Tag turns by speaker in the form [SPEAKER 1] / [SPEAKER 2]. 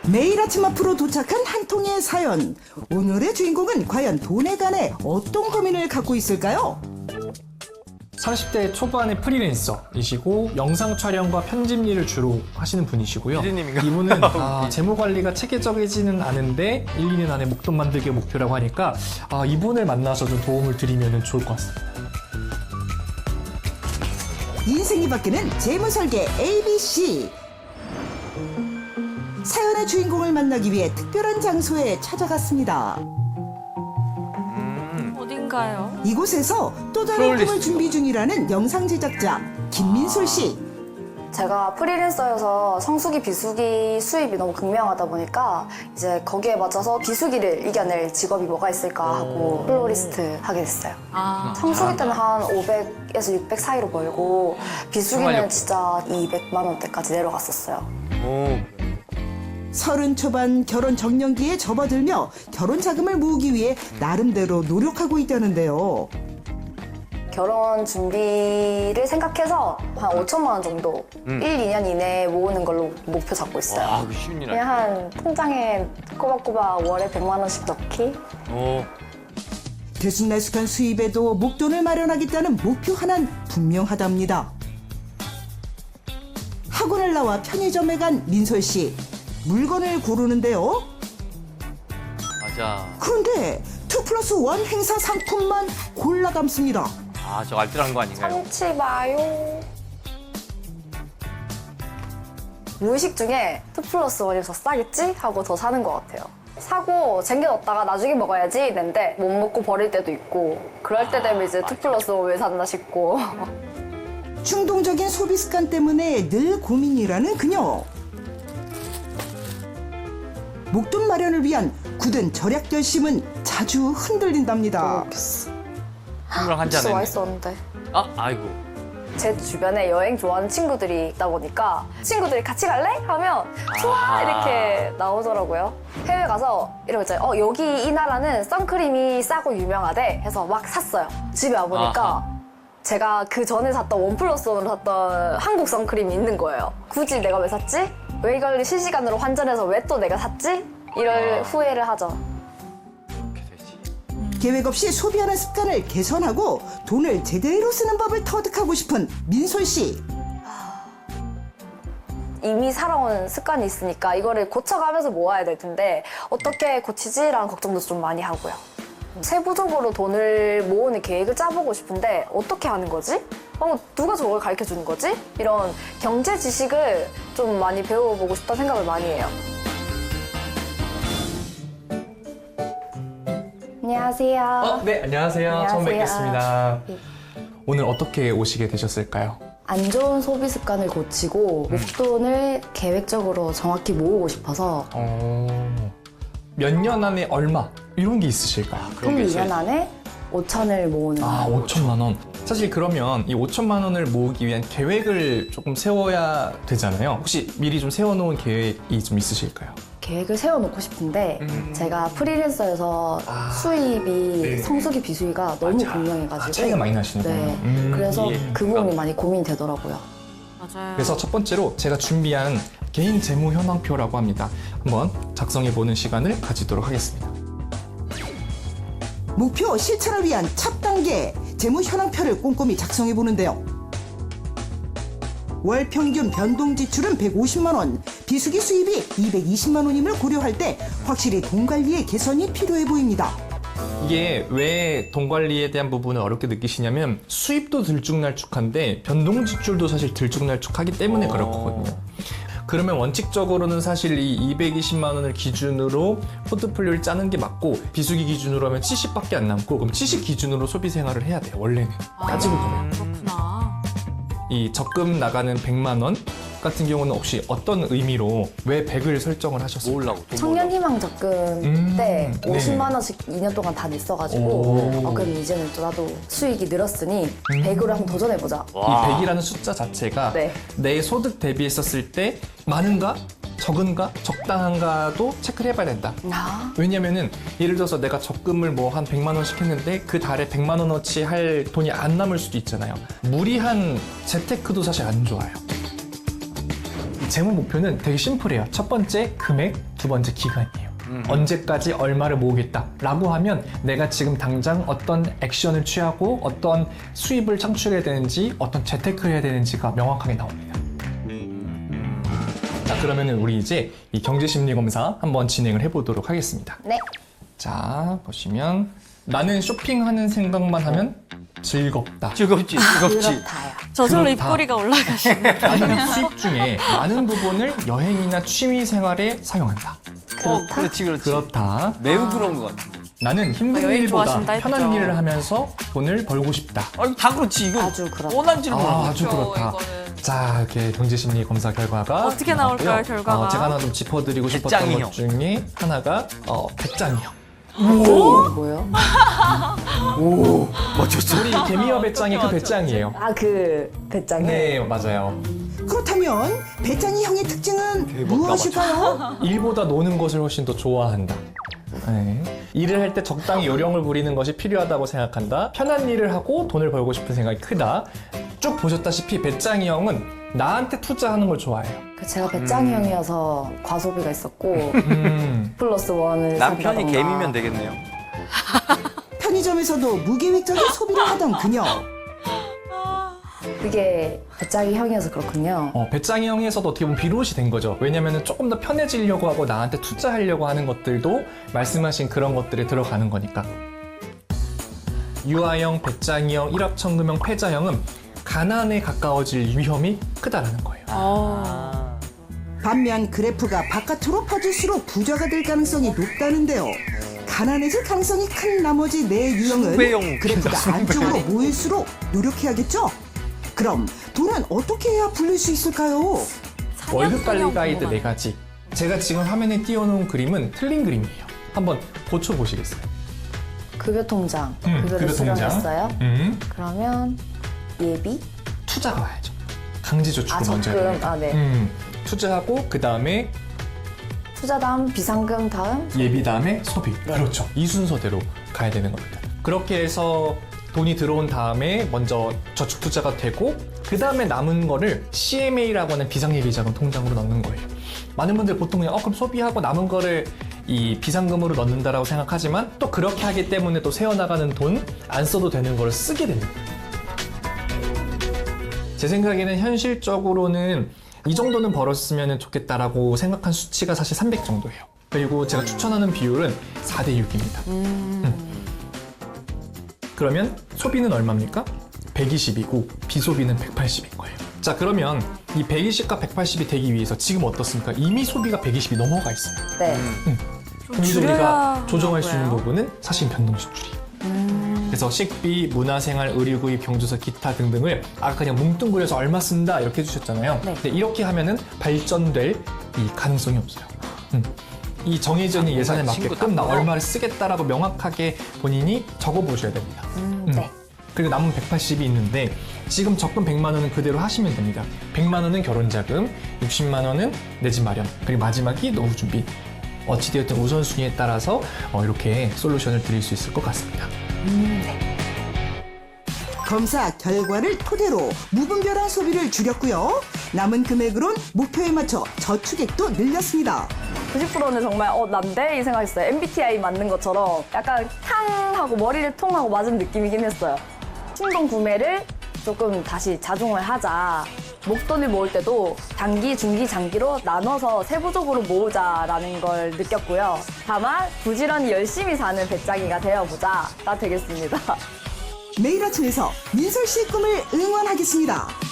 [SPEAKER 1] 매일 아침 앞으로 도착한 한 통의 사연. 오늘의 주인공은 과연 돈에 관해 어떤 고민을 갖고 있을까요?
[SPEAKER 2] 30대 초반의 프리랜서이시고 영상 촬영과 편집 일을 주로 하시는 분이시고요.
[SPEAKER 3] PD님인가?
[SPEAKER 2] 이분은 재무 관리가 체계적이지는 않은데 1, 2년 안에 목돈 만들기 목표라고 하니까 이분을 만나서 좀 도움을 드리면 좋을 것 같습니다.
[SPEAKER 1] 인생이 바뀌는 재무설계 ABC. 사연의 주인공을 만나기 위해 특별한 장소에 찾아갔습니다.
[SPEAKER 4] 어딘가요?
[SPEAKER 1] 이곳에서 또 다른 꿈을 준비 중이라는 영상 제작자 김민솔 씨.
[SPEAKER 5] 제가 프리랜서여서 성수기, 비수기 수입이 너무 극명하다 보니까 이제 거기에 맞춰서 비수기를 이겨낼 직업이 뭐가 있을까 하고 플로리스트 하게 됐어요. 성수기 때는 한 500에서 600 사이로 벌고 비수기는 진짜 200만 원대까지 내려갔었어요.
[SPEAKER 1] 서른 초반 결혼 정년기에 접어들며 결혼 자금을 모으기 위해 나름대로 노력하고 있다는데요.
[SPEAKER 5] 결혼 준비를 생각해서 한 5천만 원 정도 1, 2년 이내에 모으는 걸로 목표 잡고 있어요.
[SPEAKER 3] 와, 그 쉬운 일
[SPEAKER 5] 그냥 한 통장에 꼬박꼬박 월에 100만 원씩 넣기?
[SPEAKER 3] 아니야.
[SPEAKER 1] 들쑥날쑥한 수입에도 목돈을 마련하겠다는 목표 하나는 분명하답니다. 학원을 나와 편의점에 간 민솔 씨. 물건을 고르는데요.
[SPEAKER 3] 맞아.
[SPEAKER 1] 그런데 2+1 행사 상품만 골라 담습니다.
[SPEAKER 3] 저 알뜰한 거 아닌가요?
[SPEAKER 5] 참치 마요. 무의식 중에 2+1이 더 싸겠지? 하고 더 사는 것 같아요. 사고 쟁여뒀다가 나중에 먹어야지 했는데 못 먹고 버릴 때도 있고 그럴 때 되면 이제 2+1 왜 샀나 싶고
[SPEAKER 1] 충동적인 소비 습관 때문에 늘 고민이라는 그녀. 목돈 마련을 위한 굳은 절약 결심은 자주 흔들린답니다.
[SPEAKER 3] 한명 한잔
[SPEAKER 5] 진짜
[SPEAKER 3] 했네.
[SPEAKER 5] 맛있었는데
[SPEAKER 3] 아이고.
[SPEAKER 5] 제 주변에 여행 좋아하는 친구들이 있다 보니까 친구들이 같이 갈래? 하면 좋아 이렇게 나오더라고요. 해외 가서 이러고 있잖아요. 여기 이 나라는 선크림이 싸고 유명하대 해서 막 샀어요. 집에 와보니까 제가 그 전에 샀던 1+1으로 샀던 한국 선크림이 있는 거예요. 굳이 내가 왜 샀지? 왜 이걸 실시간으로 환전해서 왜 또 내가 샀지? 이럴 후회를 하죠.
[SPEAKER 3] 그렇게 되지.
[SPEAKER 1] 계획 없이 소비하는 습관을 개선하고 돈을 제대로 쓰는 법을 터득하고 싶은 민솔 씨.
[SPEAKER 5] 이미 살아온 습관이 있으니까 이거를 고쳐가면서 모아야 될 텐데 어떻게 고치지라는 걱정도 좀 많이 하고요. 세부적으로 돈을 모으는 계획을 짜보고 싶은데 어떻게 하는 거지? 누가 저걸 가르쳐 주는 거지? 이런 경제 지식을 좀 많이 배워보고 싶다는 생각을 많이 해요. 안녕하세요.
[SPEAKER 2] 네, 안녕하세요. 처음
[SPEAKER 5] 안녕하세요.
[SPEAKER 2] 뵙겠습니다.
[SPEAKER 5] 네.
[SPEAKER 2] 오늘 어떻게 오시게 되셨을까요?
[SPEAKER 5] 안 좋은 소비 습관을 고치고 목돈을 계획적으로 정확히 모으고 싶어서
[SPEAKER 2] 몇 년 안에 얼마 이런 게 있으실까요?
[SPEAKER 3] 그런 게
[SPEAKER 5] 1,
[SPEAKER 3] 있어야지.
[SPEAKER 5] 2년 안에 5천을 모으는
[SPEAKER 2] 5천만 원. 사실 그러면 이 5천만 원을 모으기 위한 계획을 조금 세워야 되잖아요. 혹시 미리 좀 세워놓은 계획이 좀 있으실까요?
[SPEAKER 5] 계획을 세워놓고 싶은데 제가 프리랜서여서 수입이
[SPEAKER 2] 네.
[SPEAKER 5] 성수기 비수기가 너무
[SPEAKER 2] 맞아.
[SPEAKER 5] 분명해가지고
[SPEAKER 2] 차이가 많이 나시는군요.
[SPEAKER 5] 네. 그래서
[SPEAKER 3] 이해.
[SPEAKER 5] 그 부분이 많이 고민이 되더라고요.
[SPEAKER 4] 맞아요.
[SPEAKER 2] 그래서 첫 번째로 제가 준비한 개인 재무 현황표라고 합니다. 한번 작성해보는 시간을 가지도록 하겠습니다.
[SPEAKER 1] 목표 실천을 위한 첫 단계 재무 현황표를 꼼꼼히 작성해 보는데요. 월 평균 변동 지출은 150만 원, 비수기 수입이 220만 원임을 고려할 때 확실히 돈 관리에 개선이 필요해 보입니다.
[SPEAKER 2] 이게 왜 돈 관리에 대한 부분을 어렵게 느끼시냐면 수입도 들쭉날쭉한데 변동 지출도 사실 들쭉날쭉하기 때문에 그럴 거거든요. 그러면 원칙적으로는 사실 이 220만 원을 기준으로 포트폴리오를 짜는 게 맞고 비수기 기준으로 하면 70밖에 안 남고 그럼 70 기준으로 소비 생활을 해야 돼요. 원래는 따지고 보면.
[SPEAKER 4] 그렇구나.
[SPEAKER 2] 이 적금 나가는 100만 원 같은 경우는 혹시 어떤 의미로 왜 100을 설정을 하셨어요?
[SPEAKER 3] 모으려고. 돈
[SPEAKER 5] 청년희망 적금 때
[SPEAKER 2] 네.
[SPEAKER 5] 50만 원씩 2년 동안 다 냈어가지고
[SPEAKER 2] 오.
[SPEAKER 5] 그럼 이제는 또 나도 수익이 늘었으니 100으로 한번 도전해보자.
[SPEAKER 3] 와.
[SPEAKER 2] 이 100이라는 숫자 자체가
[SPEAKER 5] 네.
[SPEAKER 2] 내 소득 대비했었을 때 많은가? 적은가? 적당한가도 체크를 해봐야 된다. 왜냐면은 예를 들어서 내가 적금을 뭐 한 100만 원씩 했는데 그 달에 100만 원어치 할 돈이 안 남을 수도 있잖아요. 무리한 재테크도 사실 안 좋아요. 재무 목표는 되게 심플해요. 첫 번째 금액, 두 번째 기간이에요. 언제까지 얼마를 모으겠다라고 하면 내가 지금 당장 어떤 액션을 취하고 어떤 수입을 창출해야 되는지 어떤 재테크를 해야 되는지가 명확하게 나옵니다. 자, 그러면은 우리 이제 이 경제심리검사 한번 진행을 해보도록 하겠습니다.
[SPEAKER 5] 네.
[SPEAKER 2] 자, 보시면 나는 쇼핑하는 생각만 하면 즐겁다.
[SPEAKER 3] 즐겁지, 즐겁지.
[SPEAKER 5] 그렇다요.
[SPEAKER 4] 저절로
[SPEAKER 2] 그렇다.
[SPEAKER 4] 입꼬리가 올라가시네.
[SPEAKER 2] 나는 수입 중에 많은 부분을 여행이나 취미 생활에 사용한다.
[SPEAKER 3] 그렇지, 그렇지.
[SPEAKER 2] 그렇다.
[SPEAKER 3] 매우 그런 것 같아.
[SPEAKER 2] 나는 힘든
[SPEAKER 4] 여행
[SPEAKER 2] 일보다
[SPEAKER 4] 좋아하신다 했죠.
[SPEAKER 2] 편한 일을 하면서 돈을 벌고 싶다.
[SPEAKER 3] 이거 다 그렇지, 이거.
[SPEAKER 5] 아주 그렇다.
[SPEAKER 3] 원한지를 몰라.
[SPEAKER 2] 아주 그렇다. 자, 이렇게 경제심리 검사 결과가
[SPEAKER 4] 어떻게 나올까요,
[SPEAKER 2] 나왔고요.
[SPEAKER 4] 결과가?
[SPEAKER 2] 제가 하나 좀 짚어드리고 싶었던
[SPEAKER 3] 배짱이
[SPEAKER 2] 것 중에 하나가 배짱이형.
[SPEAKER 5] 뭐요?
[SPEAKER 3] 멋졌어.
[SPEAKER 2] 우리 개미와 배짱이 그 배짱이에요.
[SPEAKER 5] 아, 그 배짱이?
[SPEAKER 2] 네, 맞아요.
[SPEAKER 1] 그렇다면 배짱이 형의 특징은 무엇일까요?
[SPEAKER 2] 일보다 노는 것을 훨씬 더 좋아한다. 네. 일을 할 때 적당히 요령을 부리는 것이 필요하다고 생각한다. 편한 일을 하고 돈을 벌고 싶은 생각이 크다. 쭉 보셨다시피 배짱이 형은 나한테 투자하는 걸 좋아해요.
[SPEAKER 5] 제가 배짱이 형이어서 과소비가 있었고 플러스 원을
[SPEAKER 3] 남편이
[SPEAKER 5] 산다던가.
[SPEAKER 3] 개미면 되겠네요.
[SPEAKER 1] 편의점에서도 무계획적인 소비를 하던 그녀.
[SPEAKER 5] 그게 배짱이 형이어서 그렇군요.
[SPEAKER 2] 배짱이 형에서도 어떻게 보면 비롯이 된 거죠. 왜냐면 조금 더 편해지려고 하고 나한테 투자하려고 하는 것들도 말씀하신 그런 것들에 들어가는 거니까. 유아형, 배짱이형, 일합천금형, 패자형은 가난에 가까워질 위험이 크다라는 거예요.
[SPEAKER 1] 반면 그래프가 바깥으로 퍼질수록 부자가 될 가능성이 높다는데요. 가난해질 가능성이 큰 나머지 네 유형은
[SPEAKER 3] 수배형
[SPEAKER 1] 그래프가
[SPEAKER 3] 수배형.
[SPEAKER 1] 안쪽으로 모일수록 노력해야겠죠? 그럼 돈은 어떻게 해야 불릴 수 있을까요?
[SPEAKER 2] 월급 관리 가이드 4가지. 제가 지금 화면에 띄워놓은 그림은 틀린 그림이에요. 한번 고쳐보시겠어요?
[SPEAKER 5] 급여통장, 급여를 수령했어요. 그러면 예비?
[SPEAKER 2] 투자가 와야죠. 강제저축을
[SPEAKER 5] 아,
[SPEAKER 2] 먼저 해야
[SPEAKER 5] 적금.
[SPEAKER 2] 됩니다.
[SPEAKER 5] 아, 네.
[SPEAKER 2] 투자하고 그 다음에
[SPEAKER 5] 투자 다음 비상금 다음
[SPEAKER 2] 예비 다음에 소비.
[SPEAKER 5] 네.
[SPEAKER 2] 그렇죠. 이 순서대로 가야 되는 겁니다. 그렇게 해서 돈이 들어온 다음에 먼저 저축 투자가 되고 그 다음에 남은 거를 CMA라고 하는 비상예비자금 통장으로 넣는 거예요. 많은 분들 보통 그냥 그럼 소비하고 남은 거를 이 비상금으로 넣는다라고 생각하지만 또 그렇게 하기 때문에 또 새어나가는 돈 안 써도 되는 걸 쓰게 됩니다. 제 생각에는 현실적으로는 이 정도는 벌었으면 좋겠다라고 생각한 수치가 사실 300 정도예요. 그리고 제가 추천하는 비율은 4대 6입니다. 그러면 소비는 얼마입니까? 120이고 비소비는 180인 거예요. 자, 그러면 이 120과 180이 되기 위해서 지금 어떻습니까? 이미 소비가 120이 넘어가 있어요.
[SPEAKER 5] 네.
[SPEAKER 2] 그래서 우리가 조정할 수 있는
[SPEAKER 4] 하고요.
[SPEAKER 2] 부분은 사실 변동지출이. 그래서 식비, 문화생활, 의료구입, 경조사, 기타 등등을 아까 그냥 뭉뚱그려서 얼마 쓴다 이렇게 해주셨잖아요.
[SPEAKER 5] 네.
[SPEAKER 2] 근데 이렇게 하면은 발전될 이 가능성이 없어요. 이 정해진 예산에 맞게끔 나 얼마를 쓰겠다라고 명확하게 본인이 적어보셔야 됩니다.
[SPEAKER 5] 네.
[SPEAKER 2] 그리고 남은 180이 있는데 지금 적금 100만 원은 그대로 하시면 됩니다. 100만 원은 결혼자금, 60만 원은 내 집 마련, 그리고 마지막이 노후 준비. 어찌되었든 우선순위에 따라서 이렇게 솔루션을 드릴 수 있을 것 같습니다.
[SPEAKER 1] 검사 결과를 토대로 무분별한 소비를 줄였고요. 남은 금액으론 목표에 맞춰 저축액도 늘렸습니다.
[SPEAKER 5] 90%는 정말 난데 이 생각했어요. MBTI 맞는 것처럼 약간 탕 하고 머리를 통 하고 맞은 느낌이긴 했어요. 충동 구매를 조금 다시 자중을 하자. 목돈을 모을 때도 단기, 중기, 장기로 나눠서 세부적으로 모으자라는 걸 느꼈고요. 다만 부지런히 열심히 사는 배짱이가 되어보자가 되겠습니다.
[SPEAKER 1] 매일 아침에서 민설 씨의 꿈을 응원하겠습니다.